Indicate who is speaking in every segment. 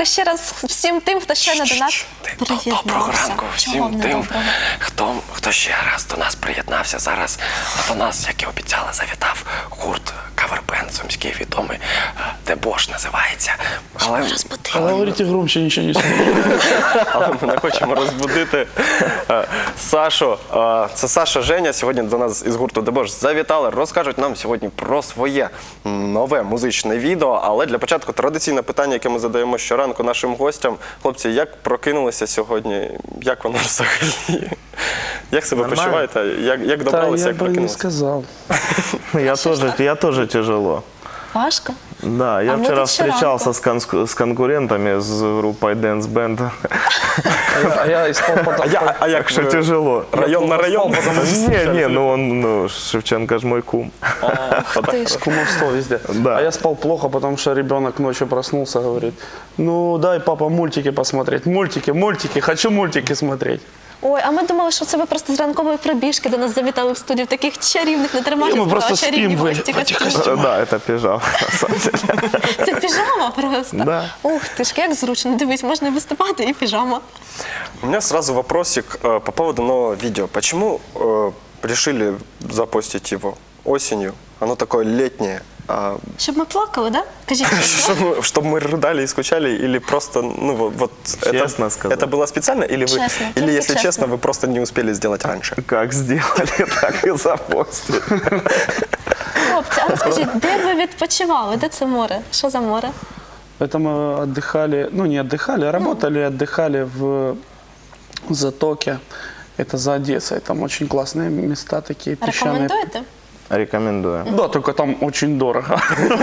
Speaker 1: ще раз всім тим, хто щойно до нас приєднався.
Speaker 2: Доброго ранку
Speaker 1: Чого
Speaker 2: всім
Speaker 1: не
Speaker 2: тим,
Speaker 1: доброго?
Speaker 2: хто ще раз до нас приєднався. Зараз до нас, як і обіцяли, завітав гурт кавербенд сумський відомий, Дебош називається.
Speaker 3: Говорите громче, нічого не слухаю.
Speaker 2: Але ми не хочемо розбудити Сашу. Це Саша, Женя сьогодні до нас із гурту Дебош завітали. Розкажуть нам сьогодні про своє нове музичне відео. Але для початку традиційне питання, яке ми задаємо щоранку нашим гостям. Хлопці, як прокинулися сьогодні? Як воно взагалі? Як себе почуваєте? Як добралися, як
Speaker 3: Я бы не
Speaker 2: прокинулися?
Speaker 3: сказал.
Speaker 4: Я тоже тяжело.
Speaker 1: Важко?
Speaker 4: Да, я
Speaker 1: А мы
Speaker 4: вчера
Speaker 1: тут вчера
Speaker 4: встречался с конкурентами, с группой Dance Band.
Speaker 3: А я спал потом.
Speaker 2: А як
Speaker 4: Что тяжело.
Speaker 2: Район на район?
Speaker 4: Не, ну Шевченко ж мой кум.
Speaker 1: Ух ти ж.
Speaker 3: Кумовство везде.
Speaker 4: Да.
Speaker 3: А я спал плохо, потому что ребенок ночью проснулся, говорит, ну дай, папа, мультики посмотреть. Мультики, хочу мультики смотреть.
Speaker 1: Ой, а ми думали, що це ви просто з ранкової пробіжки до нас завітали в студію в таких чарівних, не тримайте
Speaker 3: Ми просто
Speaker 1: слова, чарівні
Speaker 3: спим в
Speaker 1: гості.
Speaker 3: этих костюмах.
Speaker 4: Да, это пижама, на самом деле.
Speaker 1: Це піжама просто?
Speaker 4: Да.
Speaker 1: Ух ти ж, як зручно. Дивись, можна виступати і піжама.
Speaker 2: У меня сразу вопросик по поводу нового видео. Почему решили запостить его осенью? Оно такое летнее.
Speaker 1: Щоб ми плакали, да? Кажіть, чесно.
Speaker 2: Чтобы мы рыдали и скучали, или просто, ну вот
Speaker 4: Честно сказать.
Speaker 2: это было специально, или вы,
Speaker 1: Честно,
Speaker 2: или
Speaker 1: только
Speaker 2: если
Speaker 1: честно.
Speaker 2: честно, вы просто не успели сделать раньше?
Speaker 4: Как сделали, так и запостили.
Speaker 1: Хлопці, а розкажіть, де ви відпочивали? Де це море? Що за море?
Speaker 3: Это мы отдыхали, ну не отдыхали, а работали, отдыхали в Затоке. Это за Одессой. Там очень классные места такие, песчаные.
Speaker 1: Рекомендуєте?
Speaker 4: Рекомендую.
Speaker 3: Да, только там очень дорого.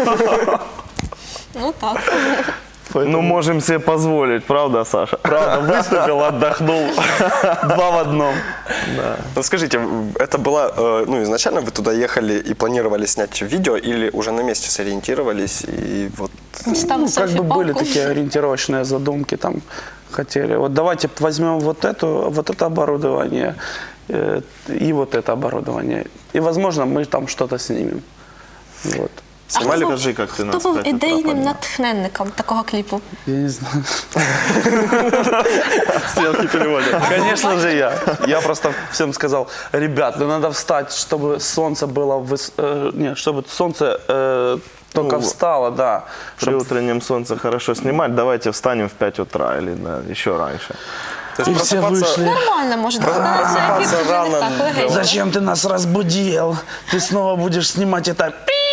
Speaker 1: Ну так.
Speaker 4: Ну, можем себе позволить, правда, Саша?
Speaker 3: Правда, выступил, отдохнул. Два в одном.
Speaker 2: Ну скажите, это было, ну изначально вы туда ехали и планировали снять видео, или уже на месте сориентировались и вот...
Speaker 1: Дістали
Speaker 3: Ну, как бы были
Speaker 1: селфі-палку.
Speaker 3: такие ориентировочные задумки, там хотели. Вот давайте возьмем вот это оборудование и вот это оборудование. И, возможно, мы там что-то снимем. Вот.
Speaker 4: Снимали,
Speaker 1: хто був-
Speaker 4: скажи, как ты нас
Speaker 1: Хто був
Speaker 4: в 5 утра
Speaker 1: ідейним
Speaker 4: поднял?
Speaker 1: натхненником такого кліпу?
Speaker 3: Я не знаю.
Speaker 2: Стрелки переводят.
Speaker 3: Конечно же я. Я просто всем сказал, ребят, ну надо встать, чтобы солнце было, чтобы солнце только встало, да.
Speaker 4: При утреннем солнце хорошо снимать, давайте встанем в 5 утра или еще раньше.
Speaker 2: То
Speaker 3: И
Speaker 2: есть
Speaker 3: все
Speaker 2: просыпаться-
Speaker 3: вышли.
Speaker 1: Нормально, може, догадатися, ефір
Speaker 2: Просыпаться
Speaker 1: вже не
Speaker 2: рано,
Speaker 1: так легенько.
Speaker 3: Зачем ты нас разбудил? Ты снова будешь снимать это.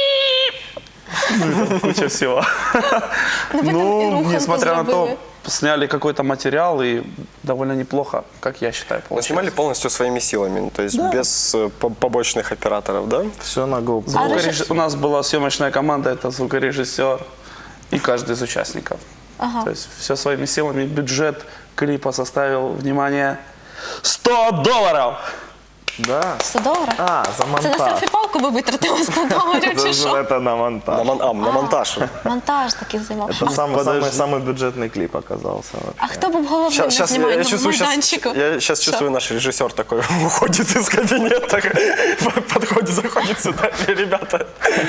Speaker 3: Куча всего.
Speaker 1: Ну, ви там і
Speaker 3: Ну,
Speaker 1: руханку
Speaker 3: несмотря на то,
Speaker 1: зробили.
Speaker 3: сняли какой-то материал и довольно неплохо, как я считаю,
Speaker 2: Но
Speaker 3: получилось.
Speaker 2: снимали полностью своими силами, ну, то есть без побочных операторов, да?
Speaker 4: Все на GoPro.
Speaker 3: У нас была съемочная команда, это звукорежиссер и каждый из участников.
Speaker 1: Ага.
Speaker 3: То есть все своими силами. Бюджет клипа составил, внимание, $100!
Speaker 4: Да.
Speaker 1: 100 доларів?
Speaker 4: А, за
Speaker 1: Це на
Speaker 4: монтаж.
Speaker 1: селфі-палку ви витратили 100 доларів чи що?
Speaker 4: Это на монтаж.
Speaker 2: На монтаж.
Speaker 1: Монтаж такий займав.
Speaker 4: Это самый бюджетный клип оказался.
Speaker 1: А хто був головним на
Speaker 2: Сейчас, я
Speaker 1: знімальному
Speaker 2: чувствую,
Speaker 1: майданчику?
Speaker 2: я сейчас чувствую, наш режиссер такой уходит из кабинета, подходит, заходит сюда, ребята,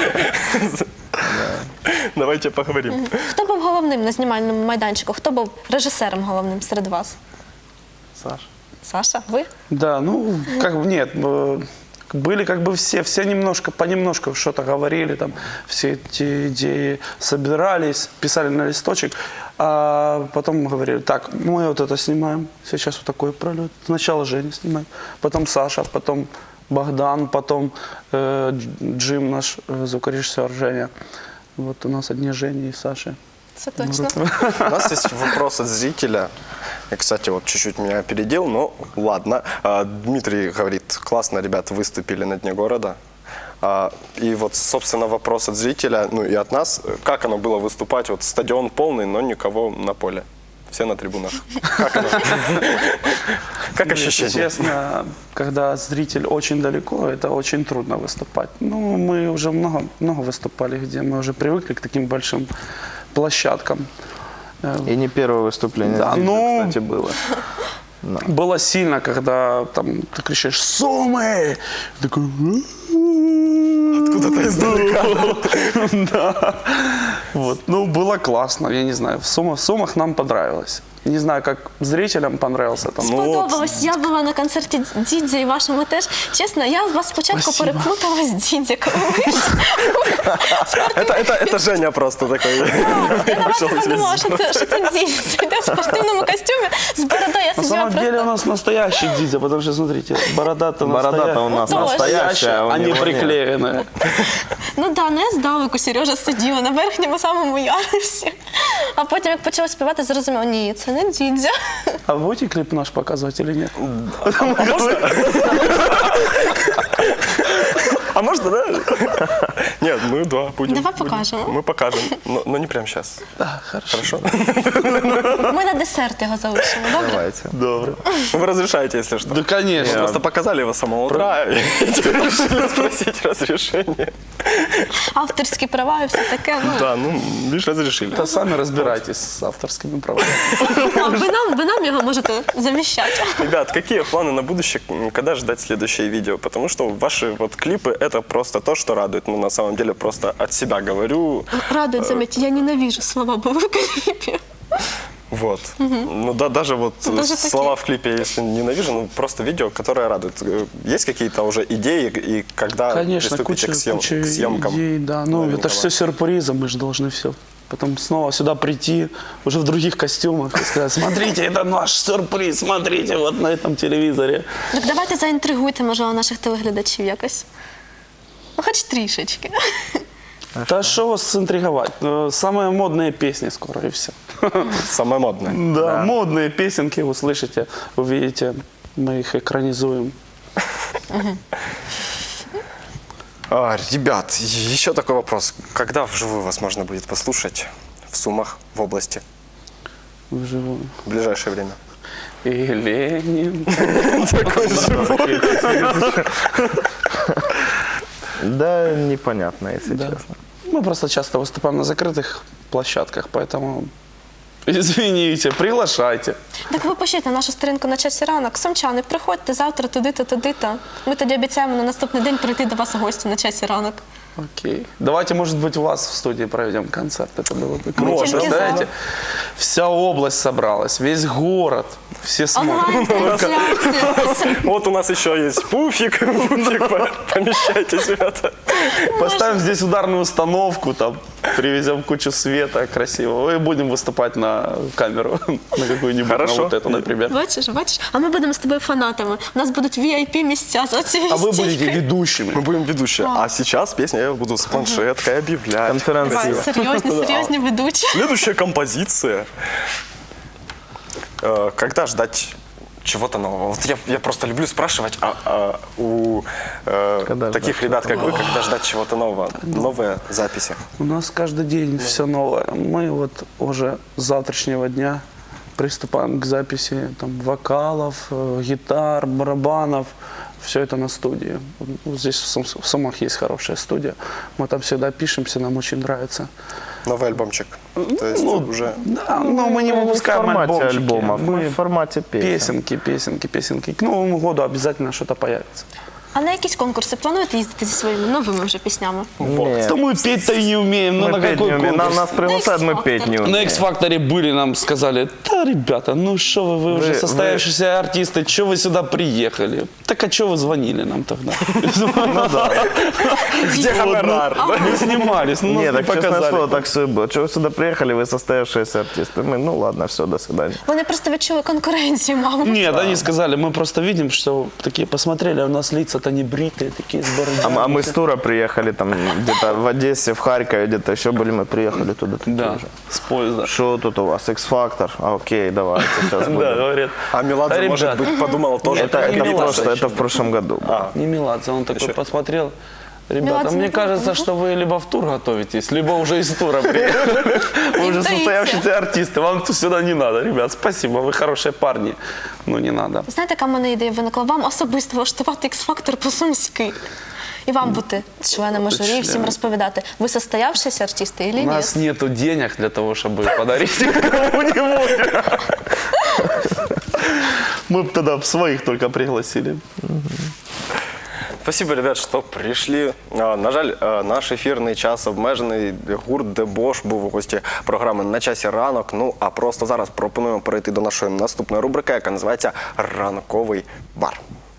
Speaker 2: давайте поговорим.
Speaker 1: Хто був головним на знімальному майданчику? Хто був режисером головним серед вас?
Speaker 4: Саша.
Speaker 1: Саша, ви?
Speaker 3: Да, ну, как бы, нет, были как бы все немножко, понемножку что-то говорили, там, все эти идеи собирались, писали на листочек, а потом говорили, так, мы вот это снимаем, сейчас вот такой пролет, сначала Женя снимает, потом Саша, потом Богдан, потом Джим, наш звукорежиссер Женя. Вот у нас одни Жени и Саши.
Speaker 1: Це точно.
Speaker 2: У нас есть вопрос от зрителя. Я, кстати, вот чуть-чуть меня опередил, но ладно. Дмитрий говорит, классно, ребят, выступили на Дне города. И вот, собственно, вопрос от зрителя, ну и от нас. Как оно было выступать? Вот стадион полный, но никого на поле. Все на трибунах. Как оно? Как
Speaker 3: Если
Speaker 2: ощущение?
Speaker 3: честно, когда зритель очень далеко, это очень трудно выступать. Ну, мы уже много выступали, где мы уже привыкли к таким большим площадкам.
Speaker 4: И не первое выступление
Speaker 3: Да,
Speaker 4: здесь,
Speaker 3: ну,
Speaker 4: кстати, было.
Speaker 3: Было сильно, когда там ты кричишь «Сумы!» Такой...
Speaker 2: Откуда-то издалека.
Speaker 3: Да. Вот. Ну, было классно, я не знаю. В Сумах нам понравилось. Не знаю, как зрителям понравился там.
Speaker 1: Сподобалось. Я була на концерті Дідзя і вашому теж. Чесно, я вас спочатку переплутала з Дідзя, коли ви
Speaker 2: Это Женя просто такой.
Speaker 1: Я подумала, що це Дідзя. Йде в спортивному костюмі з бородою. Я
Speaker 3: На
Speaker 1: сиділа
Speaker 3: самом деле у
Speaker 1: просто...
Speaker 3: нас настоящий Дидя, потому что, смотрите, борода-то
Speaker 4: Борода-то у нас
Speaker 1: Ну, тоже.
Speaker 4: настоящая, а у
Speaker 3: а не
Speaker 4: него нет.
Speaker 3: приклеенная.
Speaker 1: Ну да, ну я здалеку Сережа сиділа на верхньому самому ярусі. А потім, як почала співати, зрозуміла, ні, це не Дідзя.
Speaker 3: А вы будете клип наш показывать или нет?
Speaker 2: А можно, да? Нет, мы, да, будем.
Speaker 1: Давай покажемо.
Speaker 2: Мы покажем, но не прямо сейчас.
Speaker 3: Да, хорошо.
Speaker 2: Хорошо?
Speaker 1: Ми на десерт його залишимо, добре?
Speaker 4: Давайте.
Speaker 3: Добро.
Speaker 2: Вы разрешаете, если что?
Speaker 3: Да, конечно.
Speaker 2: Просто показали его с самого утра, и теперь решили спросить разрешение.
Speaker 1: Авторські права і все таке. Ну,
Speaker 2: Да, ну, лишь разрешили.
Speaker 3: Да сами разбирайтесь с авторскими правами.
Speaker 1: а ви нам його можете завіщати.
Speaker 2: Ребят, какие планы на будущее, когда ждать следующее видео? Потому что ваши вот клипы — это просто то, что радует. Ну, на самом деле, просто от себя говорю.
Speaker 1: Радует, заметьте, я ненавижу слова «бы» в клипе.
Speaker 2: Вот. Ну да, даже вот
Speaker 1: Даже
Speaker 2: слова в клипе, если ненавижу, ну просто видео, которое радует. Есть какие-то уже идеи, и когда
Speaker 3: Конечно,
Speaker 2: приступите
Speaker 3: куча
Speaker 2: к съемкам?
Speaker 3: идей, да. Ну,
Speaker 2: новенького?
Speaker 3: это же все сюрпризом, мы же должны все. Потом снова сюда прийти, уже в других костюмах, и сказать, смотрите, это наш сюрприз, смотрите, вот на этом телевизоре.
Speaker 1: Так давайте заінтригуйте, можливо, наших телеглядачів якось. Ну, хоч трішечки.
Speaker 3: Да что вас интриговать? Самые модные песни скоро, и все.
Speaker 2: Самое модное.
Speaker 3: Да, модные песенки услышите, увидите, мы их экранизуем.
Speaker 2: Ребят, еще такой вопрос. Когда вживую вас можно будет послушать в Сумах, в области,
Speaker 3: Вживую.
Speaker 2: в ближайшее время?
Speaker 3: И Ленин.
Speaker 4: Да, непонятно, если
Speaker 3: Да.
Speaker 4: честно.
Speaker 3: Мы просто часто выступаем на закрытых площадках, поэтому извините, приглашайте.
Speaker 1: Так ви пишіть на нашу сторінку на часі ранок. Сумчани, приходьте завтра туди-то, туди-то. Ми тоді обіцяємо на наступний день прийти до вас у гості на часі ранок.
Speaker 3: Окей. Давайте, может быть, у вас в студии проведем концерт. Это было бы круто.
Speaker 2: Можно.
Speaker 3: Представляете? Вся область собралась, весь город. Все смотрят.
Speaker 1: Онлайн-трансляція.
Speaker 2: Вот у нас еще есть пуфик. Помещайтесь, ребята.
Speaker 3: Поставим здесь ударную установку, там, привезем кучу света красивого и будем выступать на камеру. На какую-нибудь, на
Speaker 2: Хорошо.
Speaker 3: вот эту, например.
Speaker 1: Бачиш? А ми будемо з тобою фанатами. У нас будуть VIP місця за цією
Speaker 3: А вы будете
Speaker 1: стійкою.
Speaker 3: ведущими.
Speaker 2: Мы будем ведущие. А сейчас песню я буду с планшеткой объявлять.
Speaker 4: Конференция.
Speaker 1: Давай, серйозні ведучі.
Speaker 2: Следующая композиция. Когда ждать чего-то нового? Вот я просто люблю спрашивать у
Speaker 4: Когда
Speaker 2: таких
Speaker 4: ждать
Speaker 2: ребят, как вы, когда ждать чего-то нового, новые записи.
Speaker 3: У нас каждый день все новое. Мы вот уже с завтрашнего дня приступаем к записи там, вокалов, гитар, барабанов. Все это на студии. Вот здесь в Сумах есть хорошая студия. Мы там всегда пишемся, нам очень нравится.
Speaker 2: Новый альбомчик. То есть уже...
Speaker 3: Да, но мы не
Speaker 4: В
Speaker 3: выпускаем
Speaker 4: формате
Speaker 3: альбомчики.
Speaker 4: альбомов, мы
Speaker 3: Мы
Speaker 4: в формате песен.
Speaker 3: песенки. К Новому году обязательно что-то появится.
Speaker 1: А на якісь конкурси плануєте їздити зі своїми новими вже піснями?
Speaker 4: Нет.
Speaker 3: Да мы петь-то и не умеем. Ну
Speaker 4: Мы
Speaker 3: на
Speaker 4: петь
Speaker 3: какой
Speaker 4: не умеем.
Speaker 3: конкурс?
Speaker 4: Нас приглашают, мы
Speaker 1: X-Factor.
Speaker 4: петь не
Speaker 3: На
Speaker 4: умеем.
Speaker 3: X-Factor были, нам сказали, да, ребята, ну что вы уже
Speaker 4: Вы-
Speaker 3: состоявшиеся артисты, что вы сюда приехали? Так а что вы звонили нам тогда?
Speaker 2: Где гонорар?
Speaker 3: Мы снимались, ну
Speaker 4: Нет,
Speaker 3: нас
Speaker 4: так
Speaker 3: не
Speaker 4: честное слово,
Speaker 3: показали.
Speaker 4: так все и было. Чего вы сюда приехали, вы состоявшиеся артисты? Мы, ну ладно, все, до свидания.
Speaker 1: Вони просто відчули конкуренцію, мабуть.
Speaker 3: Нет, они сказали, мы просто видим, что такие посмотрели, а у нас лица-то не бритые, такие с бородами.
Speaker 4: А мы с тура приехали там где-то в Одессе, в Харькове, где-то еще были, мы приехали туда. такие
Speaker 3: Да,
Speaker 4: же.
Speaker 3: с поезда.
Speaker 4: Что тут у вас? X-Factor? А, окей, давайте, сейчас
Speaker 3: Да,
Speaker 4: будем.
Speaker 3: говорят.
Speaker 2: А Меладзе,
Speaker 3: Да,
Speaker 2: может
Speaker 3: ребят,
Speaker 2: быть, подумала тоже.
Speaker 4: Это в прошлом году. было.
Speaker 3: Не Меладзе, он такой посмотрел. Ребята,
Speaker 1: Меладзе
Speaker 3: мне
Speaker 1: не
Speaker 3: кажется,
Speaker 1: помню.
Speaker 3: что вы либо в тур готовитесь, либо уже из тура приехали. Вы уже
Speaker 1: Интуиция.
Speaker 3: состоявшиеся артисты, вам тут сюда не надо, ребят. Спасибо, вы хорошие парни, но не надо.
Speaker 1: Знаєте, яка в мене ідея виникла? Вам особисто влаштувати X-Factor по-сумськи. І вам бути членами журі, і всім розповідати, ви состоявшіся артисти
Speaker 3: У
Speaker 1: чи ні?
Speaker 3: нас нету денег для того, чтобы подарить кому-нибудь. Мы бы тогда своих только пригласили.
Speaker 2: Спасибо, ребят, что прийшли. На жаль, наш ефірний час обмежений. Гурт Дебош був у гості програми «На часі ранок». Ну, а просто зараз пропонуємо перейти до нашої наступної рубрики, яка називається «Ранковий бар».